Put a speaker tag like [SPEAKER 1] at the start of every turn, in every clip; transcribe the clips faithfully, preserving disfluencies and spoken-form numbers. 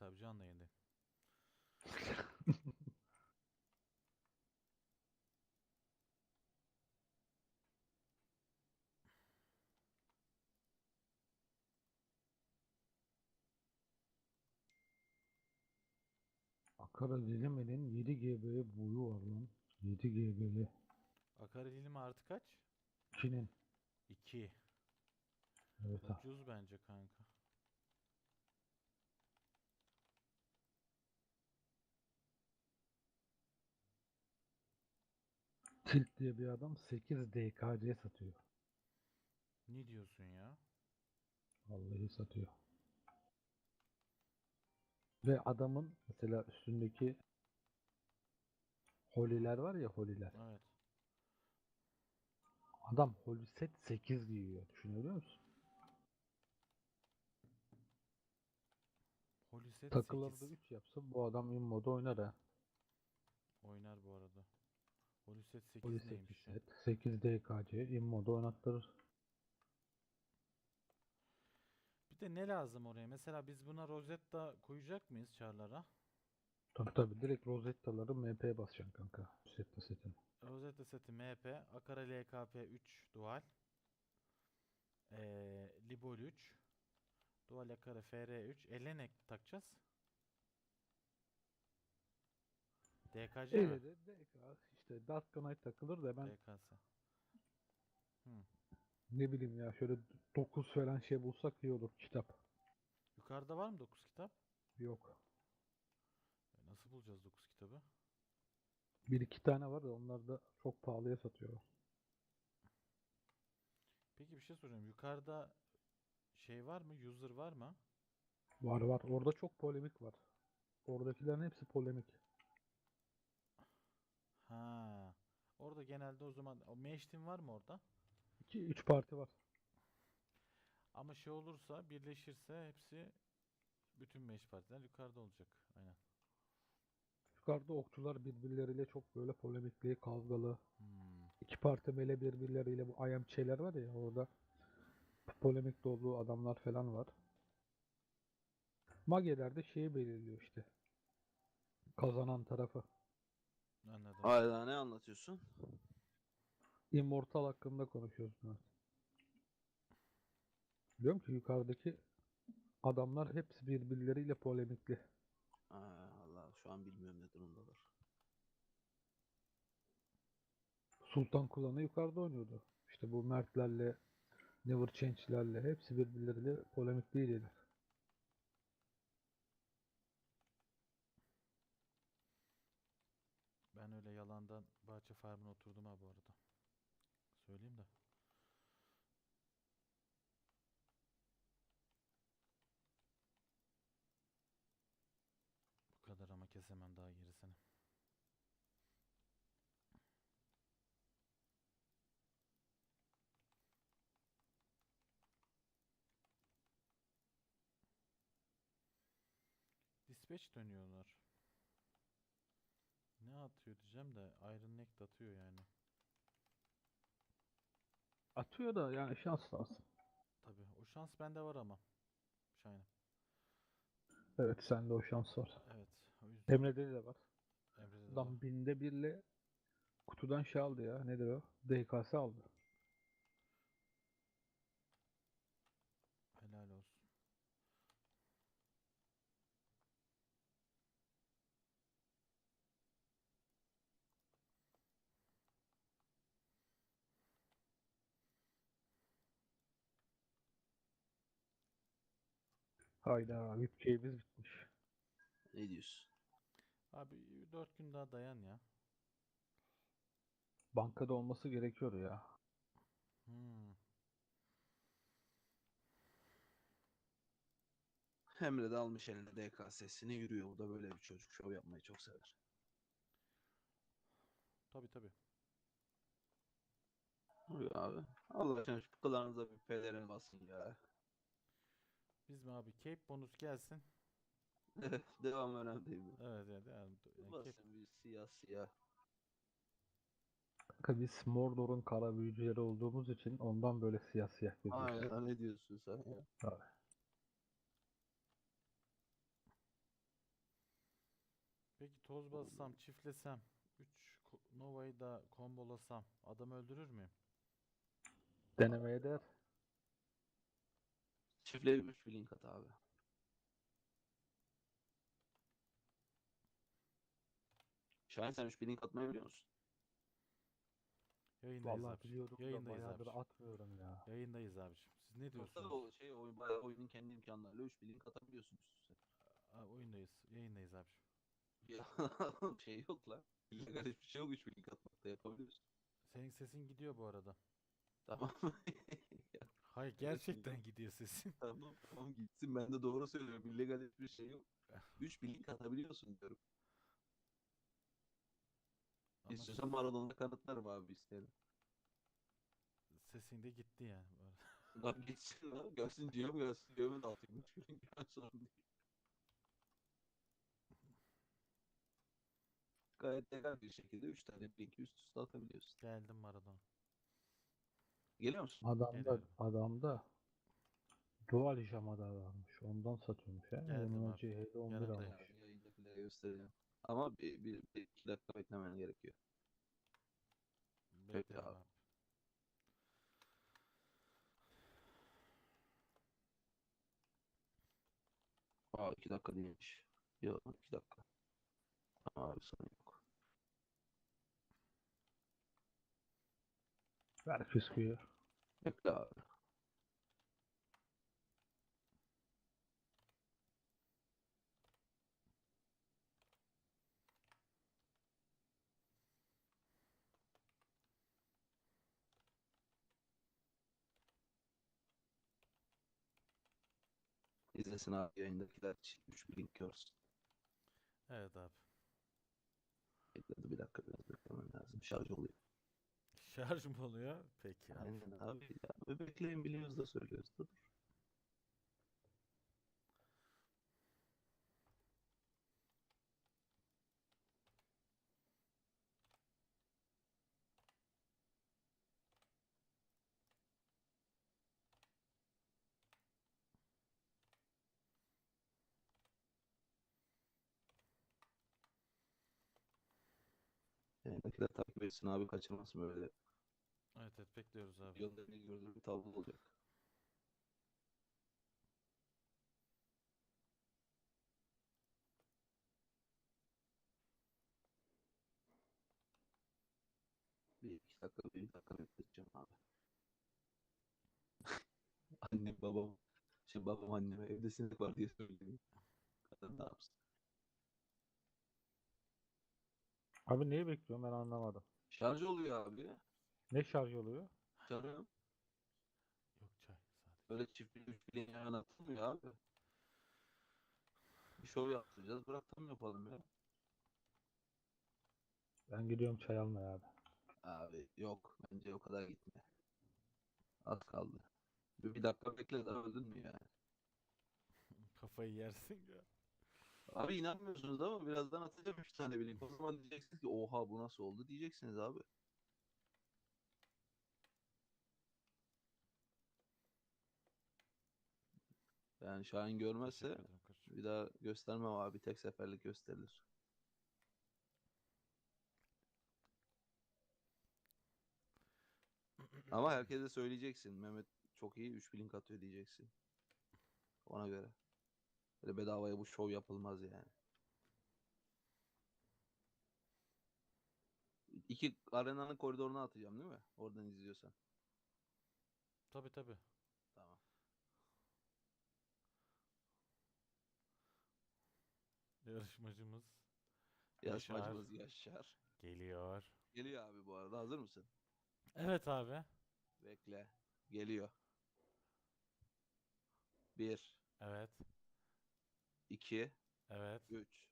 [SPEAKER 1] abi canlı yayındayım.
[SPEAKER 2] Akara Dileme'nin yedi G B boyu var lan. yedi G B'li.
[SPEAKER 1] Akaryelin artı kaç?
[SPEAKER 2] ikinin.
[SPEAKER 1] iki.
[SPEAKER 2] Evet ha.
[SPEAKER 1] Ucuz bence kanka.
[SPEAKER 2] Tilt diye bir adam sekiz D K C satıyor.
[SPEAKER 1] Ne diyorsun ya?
[SPEAKER 2] Vallahi satıyor. Ve adamın mesela üstündeki holiler var ya holiler.
[SPEAKER 1] Evet.
[SPEAKER 2] Adam holi set sekiz giyiyor. Düşünebiliyor musun?
[SPEAKER 1] Holiset
[SPEAKER 2] Takılarda
[SPEAKER 1] sekiz.
[SPEAKER 2] üç yapsa bu adam immoda oynar ha.
[SPEAKER 1] Oynar bu arada. Holiset
[SPEAKER 2] Holi
[SPEAKER 1] sekiz
[SPEAKER 2] sekiz
[SPEAKER 1] neymiş ya?
[SPEAKER 2] set. sekiz D K C immoda oynattırır.
[SPEAKER 1] Bir de ne lazım oraya? Mesela biz buna Rosetta koyacak mıyız çarlara?
[SPEAKER 2] Tabi tabi direkt Rosetta'ları M P'ye basacaksın kanka. Rosetta setini.
[SPEAKER 1] Rosetta seti M P, Akara L K P üç dual, ee, Libol üç, dual Akara F R üç. Elle ne takacağız? D K C mi?
[SPEAKER 2] Ele de D K işte Dark Knight takılır da ben
[SPEAKER 1] D K S. Hı.
[SPEAKER 2] ne bileyim ya şöyle dokuz falan şey bulsak iyi olur kitap.
[SPEAKER 1] Yukarıda var mı dokuz kitap?
[SPEAKER 2] Yok.
[SPEAKER 1] E, Nasıl bulacağız dokuz kitabı?
[SPEAKER 2] Bir iki tane var da onlar da çok pahalıya satıyorlar.
[SPEAKER 1] Peki bir şey soracağım. Yukarıda şey var mı? User var mı?
[SPEAKER 2] Var var. Orada çok polemik var. Oradakilerin hepsi polemik.
[SPEAKER 1] Ha. Orada genelde o zaman o Mesh Team var mı orada?
[SPEAKER 2] iki üç parti var.
[SPEAKER 1] Ama şey olursa birleşirse hepsi bütün Mesh partiler yukarıda olacak. Aynen.
[SPEAKER 2] Yukarıda okçular birbirleriyle çok böyle polemikli, kavgalı.
[SPEAKER 1] Hmm.
[SPEAKER 2] İki parti böyle birbirleriyle bu I M şeyler var ya orada polemik dolu adamlar falan var. Mageler de şeyi belirliyor işte. Kazanan tarafı.
[SPEAKER 1] Anladım.
[SPEAKER 3] Hala ne anlatıyorsun?
[SPEAKER 2] Immortal hakkında konuşuyoruz biraz. Diyorum ki yukarıdaki adamlar hepsi birbirleriyle polemikli.
[SPEAKER 3] Aa, Allah şu an bilmiyorum ne durumdalar.
[SPEAKER 2] Sultan Kulan'ı yukarıda oynuyordu. İşte bu Mertlerle, Never Change'lerle hepsi birbirleriyle polemikliydiler.
[SPEAKER 1] Ben öyle yalandan bahçe farmına oturdum ha bu arada. Söyleyeyim de. Bu kadar ama kesemem daha gerisini. Dispatch dönüyorlar. Ne atıyor diyeceğim de Iron Neck de atıyor yani.
[SPEAKER 2] Atıyor da yani şans lazım.
[SPEAKER 1] Tabii o şans bende var ama. Şayna.
[SPEAKER 2] Evet sende o şans var.
[SPEAKER 1] Evet o yüzden
[SPEAKER 2] Emre'de de var.
[SPEAKER 1] Emre'de de var.
[SPEAKER 2] Adam binde birle kutudan şey aldı ya. Nedir o? D K S aldı.
[SPEAKER 1] Helal olsun.
[SPEAKER 2] Hayda V I P keyfimiz bitmiş.
[SPEAKER 3] Ne diyorsun?
[SPEAKER 1] Abi dört gün daha dayan ya.
[SPEAKER 2] Bankada olması gerekiyor ya.
[SPEAKER 1] Hmm.
[SPEAKER 3] Emre de almış eline D K S'sini yürüyor. Bu da böyle bir çocuk. Şov yapmayı çok sever.
[SPEAKER 1] Tabii tabii.
[SPEAKER 3] Yürüyor abi. Allah aşkına şu kıllarınıza bir pelerin basın ya.
[SPEAKER 1] Biz mi abi Cape bonus gelsin.
[SPEAKER 3] Evet, devam önemli değil mi?
[SPEAKER 1] Evet evet yani, yani Cape.
[SPEAKER 3] Basın bir siyah siyah.
[SPEAKER 2] Kanka biz Mordor'un kara büyücüleri olduğumuz için ondan böyle siyah siyah geziyoruz.
[SPEAKER 3] Aynen ne diyorsun sen ya?
[SPEAKER 2] Abi.
[SPEAKER 1] Peki toz bassam, çiftlesem, üç Nova'yı da kombolasam adam öldürür müyüm?
[SPEAKER 2] Denemeye değer.
[SPEAKER 3] Çiftle üç blink at abi. Şahin sen üç blink atmayı biliyor musun?
[SPEAKER 1] Yayındayız
[SPEAKER 2] Vallahi
[SPEAKER 1] abiciğim.
[SPEAKER 2] biliyorum da
[SPEAKER 1] Yayındayız
[SPEAKER 2] bayağıdır
[SPEAKER 1] abiciğim.
[SPEAKER 2] atmıyorum ya.
[SPEAKER 1] Yayındayız abiciğim. Siz ne
[SPEAKER 3] Yoksa
[SPEAKER 1] diyorsunuz?
[SPEAKER 3] o şey oyun, bayağı oyunun kendi imkanlarıyla üç blink atabiliyorsun üst üste.
[SPEAKER 1] Aa, oyundayız. Yayındayız abiciğim.
[SPEAKER 3] Ya şey yok lan. İllegal hiçbir şey yok üç blink atmakta yapabiliyorsun.
[SPEAKER 1] Senin sesin gidiyor bu arada.
[SPEAKER 3] Tamam. Ya,
[SPEAKER 1] Hayır
[SPEAKER 3] kardeşim ya.
[SPEAKER 1] gerçekten gidiyor sesin.
[SPEAKER 3] Tamam tamam gitsin ben de doğru söylüyorum. İllegal hiçbir şey yok. üç blink atabiliyorsun diyorum.
[SPEAKER 1] Ama
[SPEAKER 3] İstiyorsan Maradona'da kanıtlarım abi isterim.
[SPEAKER 1] sesin de gitti yani bu arada.
[SPEAKER 3] Lan geçsin lan. Gelsin diyorum gelsin diyorum da atayım. üç blink ben sorun değil. Gayet legal bir şekilde üç tane blink üst üste atabiliyorsun.
[SPEAKER 1] Geldim Maradona.
[SPEAKER 3] Geliyor musun?
[SPEAKER 2] Adamda
[SPEAKER 1] Geliyorum.
[SPEAKER 2] adamda dual jamada varmış. Ondan satıyormuş ya.
[SPEAKER 1] Geldim
[SPEAKER 2] Onun
[SPEAKER 1] abi.
[SPEAKER 2] önce Halo on bir
[SPEAKER 1] Yanındayım.
[SPEAKER 2] almış.
[SPEAKER 3] Ya, yayındakileri göstereceğim. Ama bir, bir, bir iki dakika beklemen gerekiyor. Bekle
[SPEAKER 1] Beklerim
[SPEAKER 3] abi.
[SPEAKER 1] abi.
[SPEAKER 3] Aa iki dakika değilmiş. Yok iki dakika. Tamam abi sorun yok.
[SPEAKER 2] Ver fıskıyı.
[SPEAKER 3] Bekle abi. İzlesin abi yayındakiler üç blink görsün.
[SPEAKER 1] Evet abi.
[SPEAKER 3] Bekledi bir dakika biraz beklemen lazım. Şarj oluyor.
[SPEAKER 1] Şarj mı oluyor? Peki abi.
[SPEAKER 3] Aynen abi ya. Bekleyin biliyoruz da söylüyoruz da dur. Yayındakiler takip etsin abi kaçırmasın böyle.
[SPEAKER 1] Evet evet bekliyoruz abi.
[SPEAKER 3] Yolda bir gördüğü bir tablo olacak. Bir iki dakika bir dakika bekleteceğim abi. Annem babam. Şimdi babam anneme evde sinek var diye söylüyor. Kadın ne yapsın?
[SPEAKER 2] Abi neyi bekliyorum ben anlamadım.
[SPEAKER 3] Şarj oluyor abi.
[SPEAKER 2] Ne şarj oluyor?
[SPEAKER 3] Canım.
[SPEAKER 1] Yok çay sadece.
[SPEAKER 3] Öyle çift bir üç bileğin yan atılmıyor abi. Bir şov yaptıracağız. Bırakalım yapalım ya.
[SPEAKER 2] Ben gidiyorum çay almaya abi.
[SPEAKER 3] Abi yok. Bence o kadar gitme. Az kaldı. Bir, bir dakika bekle daha öldün mü yani?
[SPEAKER 1] Kafayı yersin ya.
[SPEAKER 3] Abi inanmıyorsunuz ama birazdan atacağım üç tane bilink. O zaman diyeceksiniz ki oha bu nasıl oldu diyeceksiniz abi. Yani Şahin görmezse
[SPEAKER 1] Teşekkür ederim koçum.
[SPEAKER 3] bir daha göstermem abi. Tek seferlik gösterilir. Ama herkese söyleyeceksin. Mehmet çok iyi üç blink atıyor diyeceksin. Ona göre. Böyle bedavaya bu şov yapılmaz yani. İki arenanın koridoruna atacağım değil mi? Oradan izliyorsan.
[SPEAKER 1] Tabi tabi.
[SPEAKER 3] Tamam.
[SPEAKER 1] Yarışmacımız Yaşar
[SPEAKER 3] Yarışmacımız Yaşar.
[SPEAKER 1] geliyor.
[SPEAKER 3] Geliyor abi bu arada. Hazır mısın?
[SPEAKER 1] Evet abi.
[SPEAKER 3] Bekle. Geliyor. Bir,
[SPEAKER 1] Evet.
[SPEAKER 3] iki,
[SPEAKER 1] Evet.
[SPEAKER 3] üç.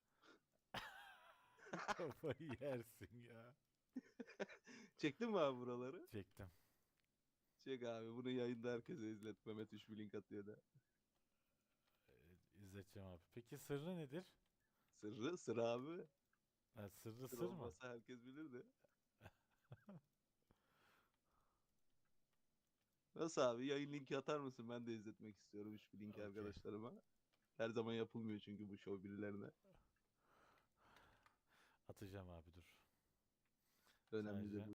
[SPEAKER 1] Kafayı yersin ya.
[SPEAKER 3] Çektin mi abi buraları?
[SPEAKER 1] Çektim.
[SPEAKER 3] Çek abi. Bunu yayında herkese izlet. Mehmet üç blink atıyor da.
[SPEAKER 1] Ee, izleteceğim abi. Peki sırrı nedir?
[SPEAKER 3] Sırrı sıra abi.
[SPEAKER 1] Ha, sırrı
[SPEAKER 3] Sır
[SPEAKER 1] sır mı?
[SPEAKER 3] olmasa herkes bilirdi. Nasıl abi? Yayın linki atar mısın? Ben de izletmek istiyorum üç blink
[SPEAKER 1] Okey.
[SPEAKER 3] arkadaşlarıma. Her zaman yapılmıyor çünkü bu show birilerine.
[SPEAKER 1] atacağım abi dur.
[SPEAKER 3] Önemli
[SPEAKER 1] Sadece-
[SPEAKER 3] değil.